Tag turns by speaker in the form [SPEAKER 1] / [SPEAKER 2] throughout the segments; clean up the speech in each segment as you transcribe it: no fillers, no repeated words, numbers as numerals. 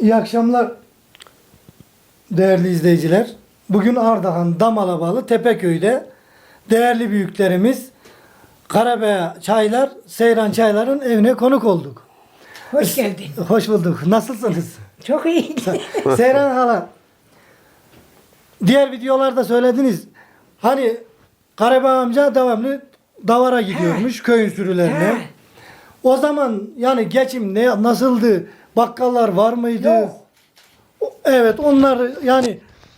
[SPEAKER 1] İyi akşamlar değerli izleyiciler. Bugün Ardahan Damala bağlı Tepeköy'de değerli büyüklerimiz Karabaya Çaylar, Seyran Çaylar'ın evine konuk olduk.
[SPEAKER 2] Hoş geldin.
[SPEAKER 1] Hoş bulduk. Nasılsınız?
[SPEAKER 2] Çok iyi.
[SPEAKER 1] Seyran hala, diğer videolarda söylediniz. Hani Karabaya amca devamlı davara gidiyormuş köyün sürülerine.
[SPEAKER 2] Ha.
[SPEAKER 1] O zaman yani geçim nasıldı? Bakkallar var mıydı?
[SPEAKER 2] Yok.
[SPEAKER 1] Evet, onlar yani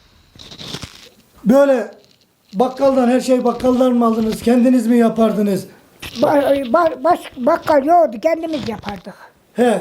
[SPEAKER 1] böyle bakkaldan her şey bakkaldan mı aldınız? Kendiniz mi yapardınız?
[SPEAKER 2] Bakkal yoktu, kendimiz yapardık.
[SPEAKER 1] He.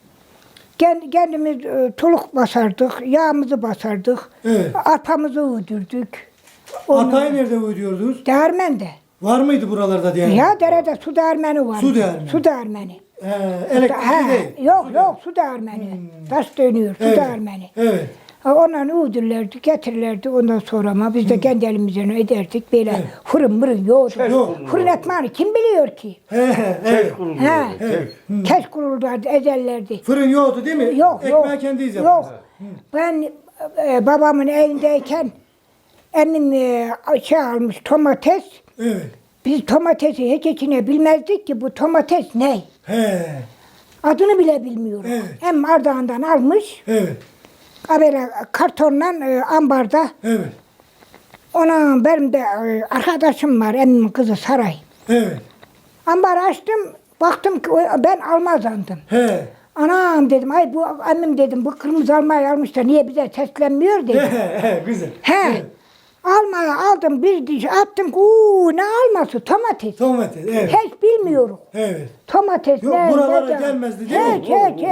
[SPEAKER 2] Kendimiz tuluk basardık, yağımızı basardık,
[SPEAKER 1] Evet.
[SPEAKER 2] arpamızı uydurduk.
[SPEAKER 1] Arpayı nerede ödüyordunuz?
[SPEAKER 2] Değirmende.
[SPEAKER 1] Var mıydı buralarda diye?
[SPEAKER 2] Ya derede su değirmeni var.
[SPEAKER 1] Su değirmeni.
[SPEAKER 2] Su değirmeni.
[SPEAKER 1] Elektrikli değil.
[SPEAKER 2] Yok su değirmeni. Taş dönüyor, su
[SPEAKER 1] Evet.
[SPEAKER 2] değirmeni.
[SPEAKER 1] Evet.
[SPEAKER 2] Ondan uydurlardı, getirirlerdi. Ondan sonra ama biz de kendi elimizden ederdik. Böyle fırın mırın yoktu.
[SPEAKER 1] Yok.
[SPEAKER 2] Fırın ekmeğini kim biliyor ki?
[SPEAKER 1] He. Evet.
[SPEAKER 2] He.
[SPEAKER 1] Evet.
[SPEAKER 2] Keş kurulurlardı, ederlerdi.
[SPEAKER 1] Fırın yoktu değil mi?
[SPEAKER 2] Yok,
[SPEAKER 1] Ekmeği
[SPEAKER 2] yok.
[SPEAKER 1] kendiniz
[SPEAKER 2] Yok.
[SPEAKER 1] yaptınız.
[SPEAKER 2] Ben babamın evindeyken emmim almış domates.
[SPEAKER 1] Evet.
[SPEAKER 2] Biz domatesi hiç içine bilmezdik ki bu domates ne?
[SPEAKER 1] He.
[SPEAKER 2] Adını bile bilmiyoruz.
[SPEAKER 1] Evet.
[SPEAKER 2] Hem Ardahan'dan almış,
[SPEAKER 1] Evet.
[SPEAKER 2] böyle kartonla ambarda.
[SPEAKER 1] Evet.
[SPEAKER 2] Ona benim de arkadaşım var, emmimin kızı Saray.
[SPEAKER 1] Evet.
[SPEAKER 2] Ambarı açtım, baktım ki ben almaz sandım.
[SPEAKER 1] He.
[SPEAKER 2] Anam dedim, ay bu emmim dedim, bu kırmızı almayı almış da niye bize seslenmiyor dedim.
[SPEAKER 1] He. Güzel.
[SPEAKER 2] He.
[SPEAKER 1] Evet.
[SPEAKER 2] Almayı aldım, bir diş attım ki ne alması? Domates.
[SPEAKER 1] Domates. Evet.
[SPEAKER 2] Hiç bilmiyorum.
[SPEAKER 1] Evet.
[SPEAKER 2] Domates
[SPEAKER 1] Yok,
[SPEAKER 2] ne?
[SPEAKER 1] buralara
[SPEAKER 2] ne-
[SPEAKER 1] gelmezdi değil mi?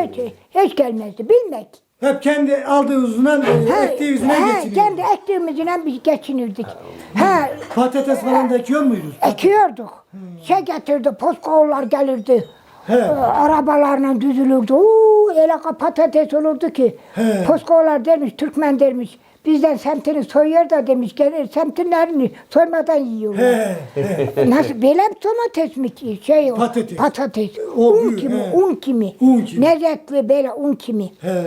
[SPEAKER 2] Hiç gelmezdi. Bilmek.
[SPEAKER 1] Hep kendi aldığı yüzünden, ektiği yüzünden geçiniyor.
[SPEAKER 2] Kendi ektiğimizle biz geçinirdik. Ha,
[SPEAKER 1] Patates falan da ekiyor muydunuz?
[SPEAKER 2] ekiyorduk. Şey getirdi, poskoğullar gelirdi.
[SPEAKER 1] He.
[SPEAKER 2] Arabalarla düzülürdü. Öyle patates olurdu ki.
[SPEAKER 1] He.
[SPEAKER 2] Poskoğullar dermiş, Türkmen dermiş. Bizden semtini soyuyor da demiş, gelir semtinlerini soymadan yiyorlar.
[SPEAKER 1] He.
[SPEAKER 2] Nasıl böyle bir domates mi ki? Şey o,
[SPEAKER 1] Patates.
[SPEAKER 2] patates.
[SPEAKER 1] O
[SPEAKER 2] Un
[SPEAKER 1] büyük,
[SPEAKER 2] kimi,
[SPEAKER 1] he.
[SPEAKER 2] un kimi.
[SPEAKER 1] Un kimi.
[SPEAKER 2] Lezzetli böyle un kimi.
[SPEAKER 1] He.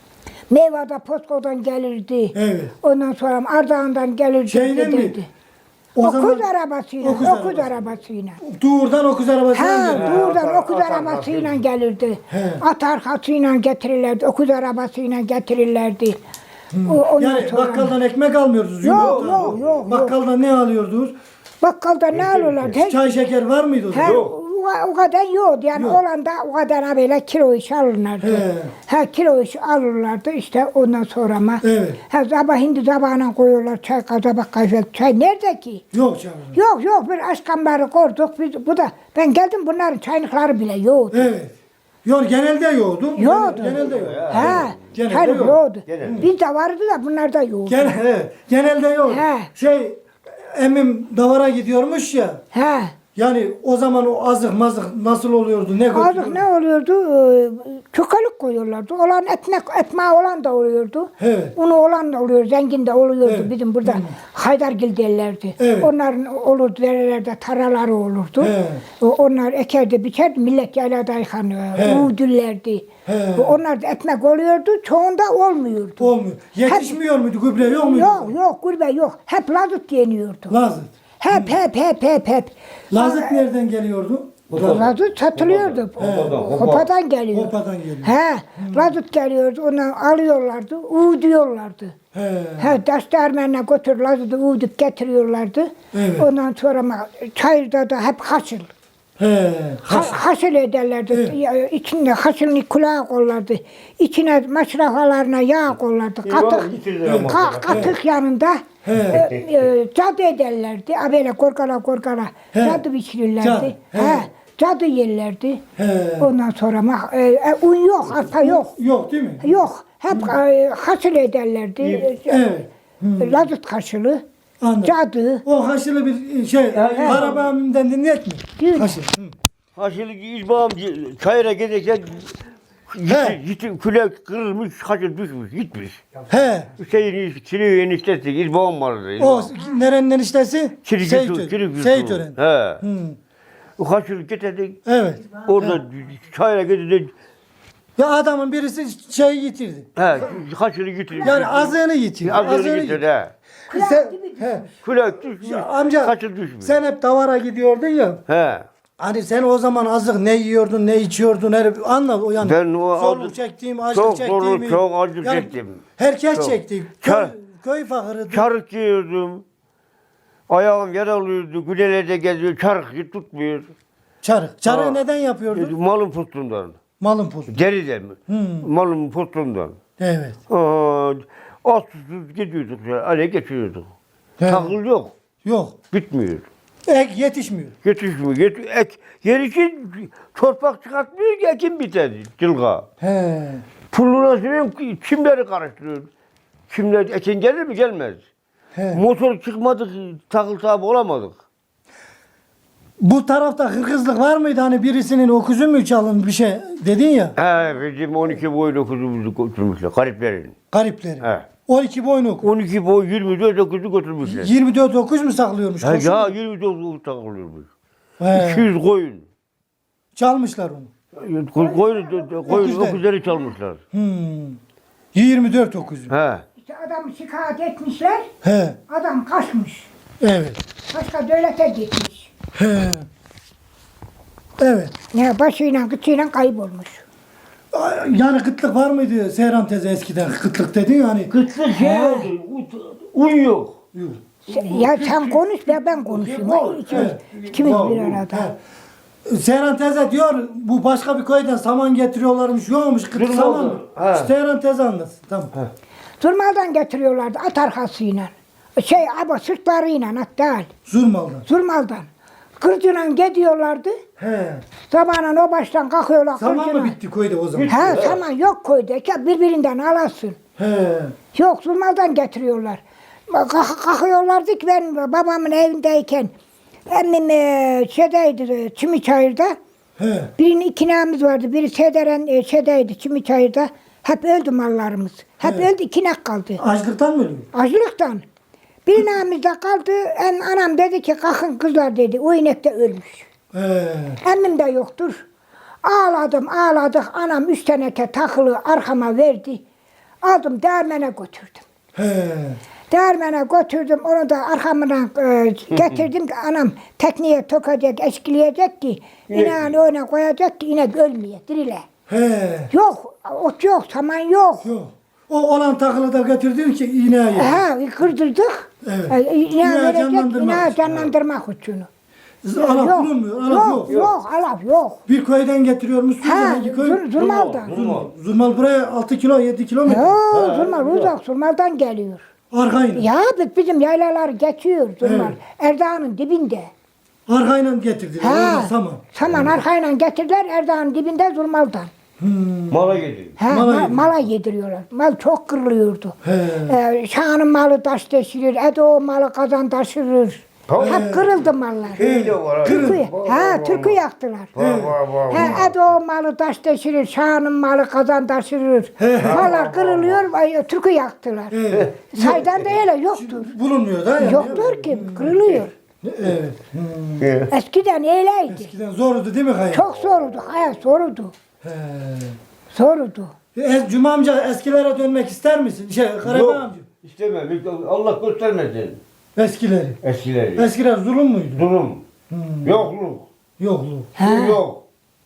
[SPEAKER 2] Meyvada Posko'dan gelirdi.
[SPEAKER 1] Evet.
[SPEAKER 2] Ondan sonra Ardahan'dan gelirdi.
[SPEAKER 1] Şeyle mi?
[SPEAKER 2] giderdi.
[SPEAKER 1] O
[SPEAKER 2] Okuz
[SPEAKER 1] zaman
[SPEAKER 2] arabasıyla.
[SPEAKER 1] okuz
[SPEAKER 2] Okuz
[SPEAKER 1] arabası.
[SPEAKER 2] arabasıyla.
[SPEAKER 1] Tuğur'dan okuz arabasına
[SPEAKER 2] Ha,
[SPEAKER 1] geldi.
[SPEAKER 2] buradan okuz arabasıyla gelirdi.
[SPEAKER 1] He.
[SPEAKER 2] At arkasıyla getirirlerdi. Okuz arabasıyla getirirlerdi. Ondan
[SPEAKER 1] Yani
[SPEAKER 2] sonra
[SPEAKER 1] bakkaldan ekmek almıyordunuz.
[SPEAKER 2] Yok,
[SPEAKER 1] yumurta.
[SPEAKER 2] yok.
[SPEAKER 1] Bakkaldan ne alıyordunuz?
[SPEAKER 2] bakkalda ne alırlardı?
[SPEAKER 1] Çay şeker var mıydı o zaman?
[SPEAKER 2] He, o kadar yoktu. Yani
[SPEAKER 1] Yok.
[SPEAKER 2] olan da o kadar böyle kilo iş alırlardı.
[SPEAKER 1] He.
[SPEAKER 2] Ha kilo iş alırlardı işte ondan sonra ama.
[SPEAKER 1] Evet.
[SPEAKER 2] Ha sabah hindi sabahına koyuyorlar çay kazabak kahve. Çay nerede ki?
[SPEAKER 1] Yok canım.
[SPEAKER 2] Yok bir aşkamları kurduk. Bu da ben geldim bunların çaylıkları bile yoktu.
[SPEAKER 1] Evet. Yok genelde yoktu.
[SPEAKER 2] Yoktu.
[SPEAKER 1] Genelde yok.
[SPEAKER 2] Ha,
[SPEAKER 1] Genelde
[SPEAKER 2] çaylık
[SPEAKER 1] yok.
[SPEAKER 2] yoktu. Bizde vardı da bunlarda yoktu.
[SPEAKER 1] Evet. Genelde yok.
[SPEAKER 2] He.
[SPEAKER 1] Şey emmim davara gidiyormuş ya.
[SPEAKER 2] Ha.
[SPEAKER 1] Yani o zaman o azık mazık nasıl oluyordu? Ne
[SPEAKER 2] Azık
[SPEAKER 1] götürüyordu?
[SPEAKER 2] ne oluyordu? Çukalık koyuyorlardı. Olan ekmeği olan da oluyordu.
[SPEAKER 1] Evet.
[SPEAKER 2] Unu olan da oluyor, zengin de oluyordu.
[SPEAKER 1] Evet.
[SPEAKER 2] Bizim burada Haydargil derlerdi.
[SPEAKER 1] Evet.
[SPEAKER 2] Onların olurdu, derelerde taraları olurdu.
[SPEAKER 1] Evet.
[SPEAKER 2] Onlar ekerdi, biçerdi, millet yaylada yıkanıyor. Uğdüllerdi.
[SPEAKER 1] Evet.
[SPEAKER 2] Onlar da ekmek oluyordu, çoğunda olmuyordu.
[SPEAKER 1] Olmuyor. Yetişmiyor muydu? Gübre yok muydu?
[SPEAKER 2] Yok, gurbe yok. Hep lazut yeniyordu.
[SPEAKER 1] Lazıt.
[SPEAKER 2] Hep.
[SPEAKER 1] Lazıt nereden geliyordu?
[SPEAKER 2] Lazut satılıyordu. Hopadan geliyor.
[SPEAKER 1] Hopadan geliyor.
[SPEAKER 2] He, lazut geliyordu, onu alıyorlardı, uğuduyorlardı.
[SPEAKER 1] He.
[SPEAKER 2] Taş değirmenine götür lazutu uğudup getiriyorlardı.
[SPEAKER 1] Evet.
[SPEAKER 2] Ondan sonra ama çayırda da hep haşıl.
[SPEAKER 1] He.
[SPEAKER 2] Haşıl ederlerdi. İçinde haşılını kulağa kollardı. İçine maşrafalarına yağ kollardı. Katık yanında cadı ederlerdi. Böyle korkala cadı pişirirlerdi.
[SPEAKER 1] Cadı,
[SPEAKER 2] Cadı yerlerdi.
[SPEAKER 1] He.
[SPEAKER 2] Ondan sonra ama un yok, arpa yok.
[SPEAKER 1] Yok değil mi?
[SPEAKER 2] Yok. Hep haşıl ederlerdi.
[SPEAKER 1] Evet.
[SPEAKER 2] Lazut haşılı.
[SPEAKER 1] Anladım.
[SPEAKER 2] Cadı.
[SPEAKER 1] O haşırlı bir şey, arabamdan dinlet mi?
[SPEAKER 2] Değil.
[SPEAKER 1] Haşır.
[SPEAKER 3] Haşırlı İzbağım çayıra giderken gitti küle kırılmış, haşır düşmüş, gitmiş.
[SPEAKER 1] He.
[SPEAKER 3] Hüseyin Çilik eniştesi, İzbağım vardı.
[SPEAKER 1] O nerenin eniştesi?
[SPEAKER 3] Çilik
[SPEAKER 1] Seyit Ören.
[SPEAKER 3] He. O haşırı getirdik.
[SPEAKER 1] Evet.
[SPEAKER 3] Orada çayıra giderken
[SPEAKER 1] Ya adamın birisi şeyi yitirdi.
[SPEAKER 3] He, haşırı getirdi.
[SPEAKER 1] Yani azığını yitirdi.
[SPEAKER 3] Azığını getirdi he.
[SPEAKER 1] He.
[SPEAKER 3] Külek düşmüş.
[SPEAKER 1] Ya amca
[SPEAKER 3] Haşır düşmüş.
[SPEAKER 1] sen hep davara gidiyordun ya.
[SPEAKER 3] He.
[SPEAKER 1] Hani sen o zaman azık ne yiyordun, ne içiyordun, anla o yani.
[SPEAKER 3] Ben o
[SPEAKER 1] zorluk
[SPEAKER 3] azık-
[SPEAKER 1] çektiğim, açlık
[SPEAKER 3] çok
[SPEAKER 1] çektiğimi.
[SPEAKER 3] zorluk, çok acı
[SPEAKER 1] Yani
[SPEAKER 3] çektim.
[SPEAKER 1] Herkes
[SPEAKER 3] Çok.
[SPEAKER 1] çekti.
[SPEAKER 3] Kar-
[SPEAKER 1] Köy fakırıydı.
[SPEAKER 3] Çarık giyiyordum. Ayağım yaralıydı. Günelerde geziyor. Çarık tutmuyor.
[SPEAKER 1] Çarık. Çarığı
[SPEAKER 3] Ha.
[SPEAKER 1] neden yapıyordun?
[SPEAKER 3] Malın pustundan.
[SPEAKER 1] Malın postu.
[SPEAKER 3] Deriden mi? Malın pustundan.
[SPEAKER 1] Evet.
[SPEAKER 3] Az susuz gidiyorduk. Öyle geçiyorduk.
[SPEAKER 1] He.
[SPEAKER 3] Takıl yok.
[SPEAKER 1] Yok.
[SPEAKER 3] Bitmiyor.
[SPEAKER 1] Ek yetişmiyor.
[SPEAKER 3] Yetişmiyor. Yer için torpak çıkartmıyor ki ekim biter. Cılga.
[SPEAKER 1] He.
[SPEAKER 3] Pulluna sürüyorum, çimleri karıştırıyorum. Çimler ekin gelir mi? Gelmez.
[SPEAKER 1] He.
[SPEAKER 3] Motor çıkmadık, takıl sahibi olamadık.
[SPEAKER 1] Bu tarafta hırkızlık var mıydı? Hani birisinin okuzu mu çalın bir şey dedin ya.
[SPEAKER 3] He, bizim 12 boylu kuzumuzu götürmüşler, gariplerin.
[SPEAKER 1] Garipleri.
[SPEAKER 3] He.
[SPEAKER 1] 12 boynu oku.
[SPEAKER 3] 12 boy 24 okuzu götürmüşler.
[SPEAKER 1] 24 okuz mu saklıyormuş?
[SPEAKER 3] He,
[SPEAKER 1] koşun?
[SPEAKER 3] ya 24 okuz takılıyormuş.
[SPEAKER 1] He.
[SPEAKER 3] 200 koyun.
[SPEAKER 1] Çalmışlar onu.
[SPEAKER 3] Koyun
[SPEAKER 1] Öküzler.
[SPEAKER 3] okuzları çalmışlar.
[SPEAKER 1] 24 okuz.
[SPEAKER 3] He.
[SPEAKER 2] İşte adam şikayet etmişler.
[SPEAKER 1] He.
[SPEAKER 2] Adam kaçmış.
[SPEAKER 1] Evet.
[SPEAKER 2] Başka devlete gitmiş.
[SPEAKER 1] He. Evet.
[SPEAKER 2] Ya başıyla kıçıyla kaybolmuş.
[SPEAKER 1] Yani kıtlık var mıydı Seyran teyze eskiden? Kıtlık dedin ya hani.
[SPEAKER 3] Kıtlık şey oldu, un yok.
[SPEAKER 1] Yok.
[SPEAKER 2] Ya sen konuş ya ben konuşayım. İkimiz bir arada.
[SPEAKER 1] Seyran teyze diyor bu başka bir köyden saman getiriyorlarmış. Yokmuş kıtlık
[SPEAKER 3] Durmadı.
[SPEAKER 1] saman mı?
[SPEAKER 3] He.
[SPEAKER 1] Seyran teyze anlatsın. Tamam.
[SPEAKER 2] Zurmaldan getiriyorlardı at arkasıyla. Ama sırtlarıyla at değil.
[SPEAKER 1] Zurmaldan.
[SPEAKER 2] Zurmaldan. Kırcıyla gidiyorlardı.
[SPEAKER 1] He.
[SPEAKER 2] Sabahın o baştan kalkıyorlar
[SPEAKER 1] Saman mı
[SPEAKER 2] kırcıyla.
[SPEAKER 1] bitti köyde o zaman?
[SPEAKER 2] Ha saman yok köyde. Birbirinden alasın.
[SPEAKER 1] He.
[SPEAKER 2] Yok Zurmaldan getiriyorlar. Kalkıyorlardı ki ben babamın evindeyken emmim şeydeydi Çimiçayır'da.
[SPEAKER 1] He.
[SPEAKER 2] Birinin ikinemiz vardı. Biri şeydeydi Çimiçayır'da. Hep öldü mallarımız. Hep öldü ikinek kaldı.
[SPEAKER 1] Açlıktan mı ölüyor?
[SPEAKER 2] Açlıktan. Bir namizde kaldı. Anam dedi ki kalkın kızlar dedi. O inek de ölmüş.
[SPEAKER 1] He.
[SPEAKER 2] Emmim de yoktur. Ağladık. Anam 3 teneke takılı arkama verdi. Aldım değirmene götürdüm.
[SPEAKER 1] He.
[SPEAKER 2] Değirmene götürdüm. Onu da arkamdan getirdim ki anam tekneye tokacak, eşkileyecek ki ineğini öne koyacak ki inek ölmeye, dirile.
[SPEAKER 1] He.
[SPEAKER 2] Yok, ot yok, saman yok.
[SPEAKER 1] Yok. O olan takılı da getirdin ki iğneye yedin.
[SPEAKER 2] Ha, kırdırdık.
[SPEAKER 1] Evet.
[SPEAKER 2] İneği
[SPEAKER 1] İneği
[SPEAKER 2] verecek,
[SPEAKER 1] canlandırmak
[SPEAKER 2] ineği
[SPEAKER 1] için.
[SPEAKER 2] canlandırmak için.
[SPEAKER 1] Alap bulunmuyor. Alap yok.
[SPEAKER 2] Yok, alap yok.
[SPEAKER 1] Bir köyden getiriyormuşsunuz.
[SPEAKER 2] Ha,
[SPEAKER 1] hangi köy?
[SPEAKER 2] Zurmal'dan.
[SPEAKER 1] Zurmal buraya 6 kilo 7 kilometre.
[SPEAKER 2] Yok, Zurmal uzak, Zurmal'dan geliyor.
[SPEAKER 1] Arkayla.
[SPEAKER 2] Ya bizim yaylalar geçiyor Zurmal.
[SPEAKER 1] Evet.
[SPEAKER 2] Erdağ'ın dibinde.
[SPEAKER 1] Arkayla getirdiler. Oradan saman.
[SPEAKER 2] Saman arkayla getirdiler Erdağ'ın dibinde Zurmal'dan.
[SPEAKER 3] Mala geliyor.
[SPEAKER 2] Mala yediriyorlar. Mal çok kırılıyordu.
[SPEAKER 1] He.
[SPEAKER 2] Şahanın malı taş taşırır, Edo malı kazan taşırır. Hep kırıldı mallar.
[SPEAKER 3] Köy de var abi.
[SPEAKER 2] Türkü yaktılar. Edo malı taş taşırır, Şahanın malı kazan taşırır. Mallar kırılıyor, türkü yaktılar. Saydan da öyle yoktur.
[SPEAKER 1] Bulunmuyor da yani.
[SPEAKER 2] Yoktur ki, kırılıyor.
[SPEAKER 1] Evet.
[SPEAKER 2] Eskiden öyleydi.
[SPEAKER 1] Eskiden zordu değil mi hayat?
[SPEAKER 2] Çok zordu, hayat zordu.
[SPEAKER 1] He.
[SPEAKER 2] Zordu.
[SPEAKER 1] Cuma amca eskilere dönmek ister misin? Karabağ
[SPEAKER 3] Yok,
[SPEAKER 1] amca.
[SPEAKER 3] istemem. Allah göstermesin
[SPEAKER 1] Eskileri.
[SPEAKER 3] eskileri.
[SPEAKER 1] Eskiler zulüm müydü?
[SPEAKER 3] Durum. Yokluk.
[SPEAKER 1] Yokluk.
[SPEAKER 3] Su yok.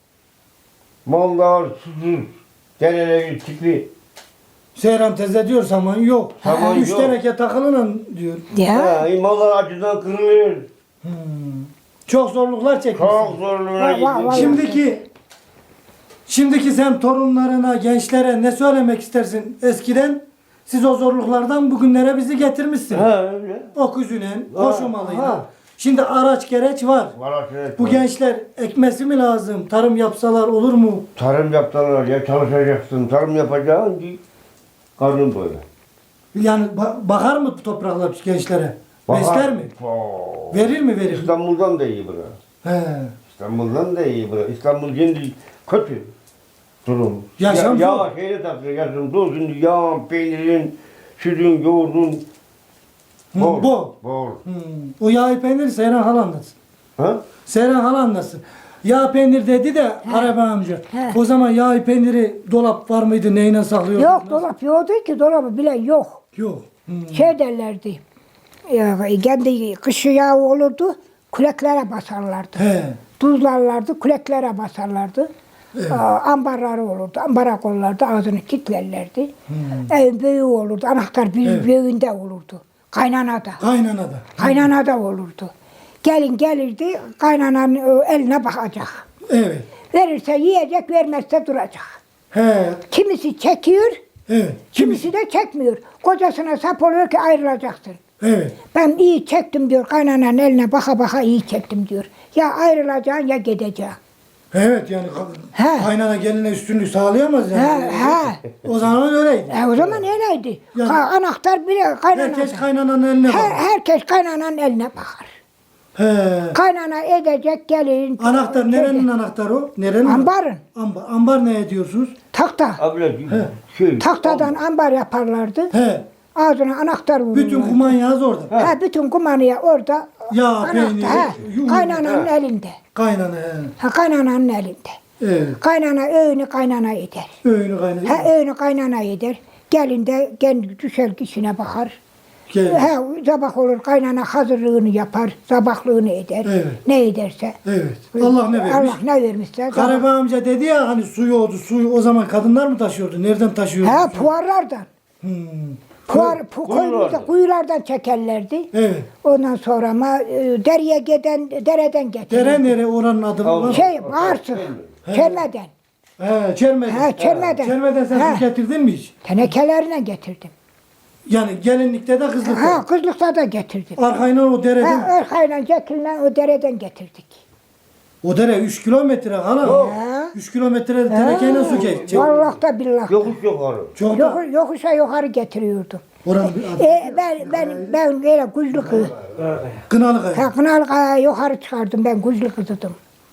[SPEAKER 3] Mallar susuz. Dereleri tipli.
[SPEAKER 1] Seyran teyze diyor saman yok.
[SPEAKER 3] Saman
[SPEAKER 1] 3
[SPEAKER 3] yok.
[SPEAKER 1] teneke takılının diyor.
[SPEAKER 2] Ya.
[SPEAKER 3] Mallar acıdan kırılıyor.
[SPEAKER 1] Çok zorluklar çekmişsin.
[SPEAKER 3] Çok zorluğuna
[SPEAKER 2] Vay.
[SPEAKER 3] gidiyor.
[SPEAKER 1] Şimdiki sen torunlarına, gençlere ne söylemek istersin? Eskiden siz o zorluklardan bugünlere bizi getirmişsin.
[SPEAKER 3] Öyle.
[SPEAKER 1] Okuzuyla, koşumalıyla. Şimdi araç gereç var. Bu gençler ekmesi mi lazım? Tarım yapsalar olur mu?
[SPEAKER 3] Tarım yaptılar ya, çalışacaksın. Tarım yapacaksın ki karnın böyle.
[SPEAKER 1] Yani bakar mı bu topraklar gençlere? Besler mi? Verir mi verir?
[SPEAKER 3] İstanbul'dan da iyi bura.
[SPEAKER 1] He.
[SPEAKER 3] İstanbul'dan da iyi bura. İstanbul şimdi kötü durum.
[SPEAKER 1] Yaşam
[SPEAKER 3] ya,
[SPEAKER 1] zor.
[SPEAKER 3] şeyle takıyor, yaşam zor. Şimdi yağın, peynirin, sütün, yoğurdun.
[SPEAKER 1] Bol.
[SPEAKER 3] Bol.
[SPEAKER 1] O yağı peyniri Seyran hala anlatsın.
[SPEAKER 3] Ha?
[SPEAKER 1] Seyran hala anlatsın. Yağ peynir dedi de Araba amca.
[SPEAKER 2] He.
[SPEAKER 1] O zaman yağ peyniri dolap var mıydı? Neyle saklıyordunuz?
[SPEAKER 2] Yok dolap yoktu ki dolabı bile yok.
[SPEAKER 1] Yok.
[SPEAKER 2] Şey derlerdi. Kendi kışı yağı olurdu. Küleklere basarlardı.
[SPEAKER 1] He.
[SPEAKER 2] Tuzlarlardı, küleklere basarlardı. Ambarları olurdu, ambara kollardı, ağzını kilitlerlerdi. Evin büyüğü olurdu, anahtar bir büyüğünde olurdu. Kaynanada.
[SPEAKER 1] Kaynanada.
[SPEAKER 2] Kaynanada olurdu. Gelin gelirdi, kaynananın eline bakacak.
[SPEAKER 1] Evet.
[SPEAKER 2] Verirse yiyecek, vermezse duracak.
[SPEAKER 1] He.
[SPEAKER 2] Kimisi çekiyor,
[SPEAKER 1] Evet.
[SPEAKER 2] kimisi de çekmiyor. Kocasına sap oluyor ki ayrılacaksın.
[SPEAKER 1] Evet.
[SPEAKER 2] Ben iyi çektim diyor, kaynananın eline baka baka iyi çektim diyor. Ya ayrılacaksın ya gideceksin.
[SPEAKER 1] Evet yani
[SPEAKER 2] He.
[SPEAKER 1] kaynana geline üstünlük sağlayamaz yani.
[SPEAKER 2] He.
[SPEAKER 1] O zaman öyleydi.
[SPEAKER 2] O zaman öyleydi.
[SPEAKER 1] Yani-
[SPEAKER 2] Anahtar bile kaynanada.
[SPEAKER 1] Herkes kaynananın eline bakar.
[SPEAKER 2] Herkes kaynananın eline bakar.
[SPEAKER 1] He.
[SPEAKER 2] Kaynana edecek gelin.
[SPEAKER 1] Anahtar nerenin anahtarı o? Nerenin?
[SPEAKER 2] Ambarın.
[SPEAKER 1] Ambar. Ambar ne ediyorsunuz?
[SPEAKER 2] Tahta.
[SPEAKER 3] Abla şey.
[SPEAKER 2] Tahtadan ambar yaparlardı.
[SPEAKER 1] He.
[SPEAKER 2] Ağzına anahtar vururlardı.
[SPEAKER 1] Bütün kumanyaz orada.
[SPEAKER 2] Bütün kumanya orada.
[SPEAKER 1] Yağ, peynir, yumurta.
[SPEAKER 2] Kaynananın elinde.
[SPEAKER 1] Kaynana he.
[SPEAKER 2] Kaynananın elinde.
[SPEAKER 1] Evet.
[SPEAKER 2] Kaynana öğünü kaynana eder.
[SPEAKER 1] Öğünü kaynana.
[SPEAKER 2] Öğünü kaynana eder. Gelin de kendi düşer kişine bakar.
[SPEAKER 1] Gel.
[SPEAKER 2] Sabah olur kaynana hazırlığını yapar, sabahlığını eder.
[SPEAKER 1] Evet.
[SPEAKER 2] Ne ederse.
[SPEAKER 1] Evet. Allah ne vermiş?
[SPEAKER 2] Allah ne vermişse.
[SPEAKER 1] Karabağ amca dedi ya hani su yoktu. Suyu o zaman kadınlar mı taşıyordu? Nereden taşıyordu?
[SPEAKER 2] Puarlardan.
[SPEAKER 1] Hmm.
[SPEAKER 2] Kuyulardan çekerlerdi.
[SPEAKER 1] Evet.
[SPEAKER 2] Ondan sonra ama dereye giden, dereden getirirdi.
[SPEAKER 1] Dere nere oranın adı var?
[SPEAKER 2] Bağırsık, çermeden.
[SPEAKER 1] He, Çermeden.
[SPEAKER 2] Çermeden.
[SPEAKER 1] Çermeden sen su getirdin mi hiç?
[SPEAKER 2] Tenekelerine getirdim.
[SPEAKER 1] Yani gelinlikte de kızlıkta.
[SPEAKER 2] Kızlıkta da getirdim.
[SPEAKER 1] Arkayla o dereden.
[SPEAKER 2] Arkayla çekilen o dereden getirdik.
[SPEAKER 1] O dere 3 kilometre hala. 3 kilometre tenekeyle su geçecek.
[SPEAKER 2] Vallahi da billah.
[SPEAKER 3] Yokuş yukarı.
[SPEAKER 1] Çok da.
[SPEAKER 2] Yokuşa yukarı getiriyordum.
[SPEAKER 1] Oranın
[SPEAKER 2] Ben öyle güçlü kız.
[SPEAKER 1] Kınalı kaya.
[SPEAKER 2] Kınalı yukarı çıkardım ben güçlü kızdım.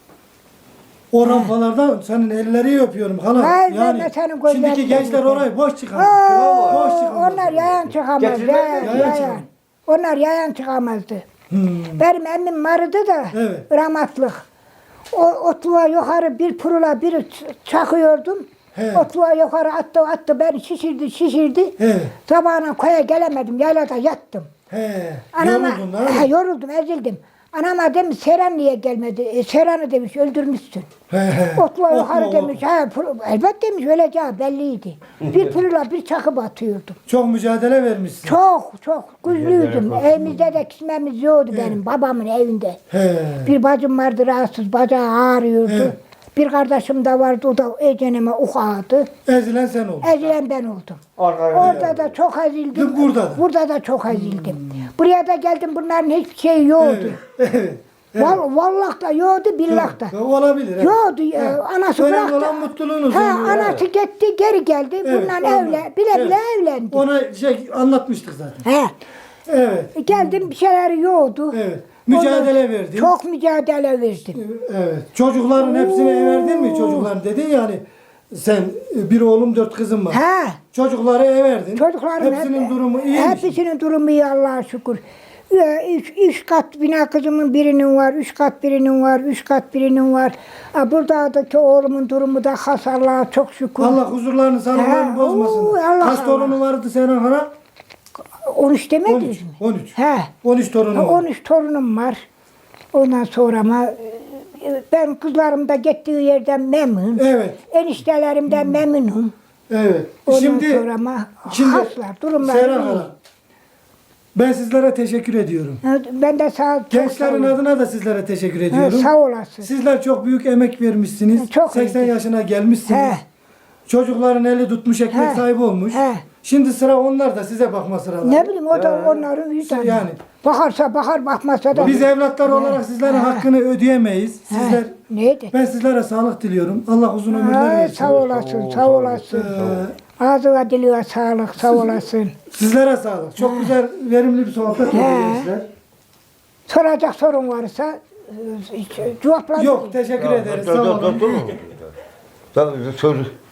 [SPEAKER 1] O rampalardan senin elleri öpüyorum hala.
[SPEAKER 2] Hayır, ben
[SPEAKER 1] Yani
[SPEAKER 2] de senin gözlerini
[SPEAKER 1] şimdiki gençler
[SPEAKER 2] öpüyorum.
[SPEAKER 1] orayı boş çıkamaz. Boş çıkamaz.
[SPEAKER 2] Onlar yayan çıkamaz.
[SPEAKER 3] Getirmez mi?
[SPEAKER 1] Yayan çıkamaz.
[SPEAKER 2] Onlar yayan çıkamazdı. Benim emmim vardı da
[SPEAKER 1] Evet.
[SPEAKER 2] rahmatlık. O otluğa yukarı bir pırula bir çakıyordum.
[SPEAKER 1] He.
[SPEAKER 2] Otluğa yukarı attı beni şişirdi.
[SPEAKER 1] He.
[SPEAKER 2] Sabahına koya gelemedim yaylada yattım.
[SPEAKER 1] He.
[SPEAKER 2] Anama,
[SPEAKER 1] Yoruldun lan.
[SPEAKER 2] yoruldum ezildim. Anama demiş Seren niye gelmedi? Seren'i demiş öldürmüşsün. Otluğa yukarı demiş. Elbet demiş öleceği belliydi. Bir pırula bir çakıp atıyordum.
[SPEAKER 1] Çok mücadele vermişsin.
[SPEAKER 2] Çok güçlüydüm. Evimizde de kismemiz yoktu benim babamın evinde.
[SPEAKER 1] He.
[SPEAKER 2] Bir bacım vardı rahatsız, bacağı ağrıyordu.
[SPEAKER 1] Evet.
[SPEAKER 2] Bir kardeşim de vardı, o da eceneme ukadı.
[SPEAKER 1] Ezilen sen oldun.
[SPEAKER 2] Ezilen ben oldum.
[SPEAKER 3] Arkaya.
[SPEAKER 2] Orada da çok ezildim.
[SPEAKER 1] Burada da.
[SPEAKER 2] Burada da çok ezildim. Buraya da geldim, bunların hiçbir şeyi yoktu.
[SPEAKER 1] Evet.
[SPEAKER 2] Vallahi da yoktu, billah da.
[SPEAKER 1] Olabilir. evet.
[SPEAKER 2] Yoktu, anası
[SPEAKER 1] Önemli
[SPEAKER 2] bıraktı.
[SPEAKER 1] olan mutluluğunuz.
[SPEAKER 2] Anası gitti, geri geldi. Bundan bile evlendi.
[SPEAKER 1] Ona anlatmıştık zaten. Evet.
[SPEAKER 2] Geldim, bir şeyleri yoktu.
[SPEAKER 1] Evet. Mücadele verdin.
[SPEAKER 2] Çok mücadele verdim.
[SPEAKER 1] Evet. Çocukların hepsine verdin mi çocukların dedin yani sen bir oğlum 4 kızım var. Çocukları verdin.
[SPEAKER 2] Çocuklarım
[SPEAKER 1] hepsinin durumu iyi mi?
[SPEAKER 2] Hepsinin durumu iyi Allah'a şükür. Üç kat bina kızımın birinin var, 3 kat birinin var, 3 kat birinin var. Buradaki oğlumun durumu da has Allah'a çok şükür.
[SPEAKER 1] Allah huzurlarını, sağlıklarını bozmasın. Kaç torunu vardı senin hana?
[SPEAKER 2] 13 demediniz
[SPEAKER 1] 13.
[SPEAKER 2] mi?
[SPEAKER 1] 13. 13
[SPEAKER 2] 13
[SPEAKER 1] torunu var.
[SPEAKER 2] 13 torunum var. Ondan sonra ama ben kızlarım da gittiği yerden memnun.
[SPEAKER 1] Evet.
[SPEAKER 2] Eniştelerimden memnunum.
[SPEAKER 1] Evet.
[SPEAKER 2] Ondan
[SPEAKER 1] Şimdi
[SPEAKER 2] sonra ama haslar, durumlar
[SPEAKER 1] Serhan
[SPEAKER 2] iyi.
[SPEAKER 1] Hanım, ben sizlere teşekkür ediyorum.
[SPEAKER 2] Ben de çok
[SPEAKER 1] Gençlerin
[SPEAKER 2] sağ olun.
[SPEAKER 1] adına da sizlere teşekkür ediyorum.
[SPEAKER 2] Sağ olasın.
[SPEAKER 1] Sizler çok büyük emek vermişsiniz.
[SPEAKER 2] Çok
[SPEAKER 1] 80
[SPEAKER 2] iyi.
[SPEAKER 1] yaşına gelmişsiniz.
[SPEAKER 2] He.
[SPEAKER 1] Çocukların eli tutmuş ekmek
[SPEAKER 2] He.
[SPEAKER 1] sahibi olmuş.
[SPEAKER 2] He.
[SPEAKER 1] Şimdi sıra onlar da size bakma sıraları.
[SPEAKER 2] Ne bileyim o da onların vicdanı.
[SPEAKER 1] Yani.
[SPEAKER 2] Bakarsa bakar bakmazsa da.
[SPEAKER 1] Biz evlatlar olarak sizlerin hakkını ödeyemeyiz. Sizler
[SPEAKER 2] Neydi?
[SPEAKER 1] ben sizlere sağlık diliyorum. Allah uzun ömürler versin.
[SPEAKER 2] Sağ olasın, sağ olasın. Ağzına diliyor sağlık, sağ olasın.
[SPEAKER 1] Sizlere sağlık. Çok güzel, verimli bir sohbet oldu gençler.
[SPEAKER 2] Soracak sorun varsa cevaplar.
[SPEAKER 1] Yok, teşekkür ederiz. Sağ olun.
[SPEAKER 3] Tabii, soru.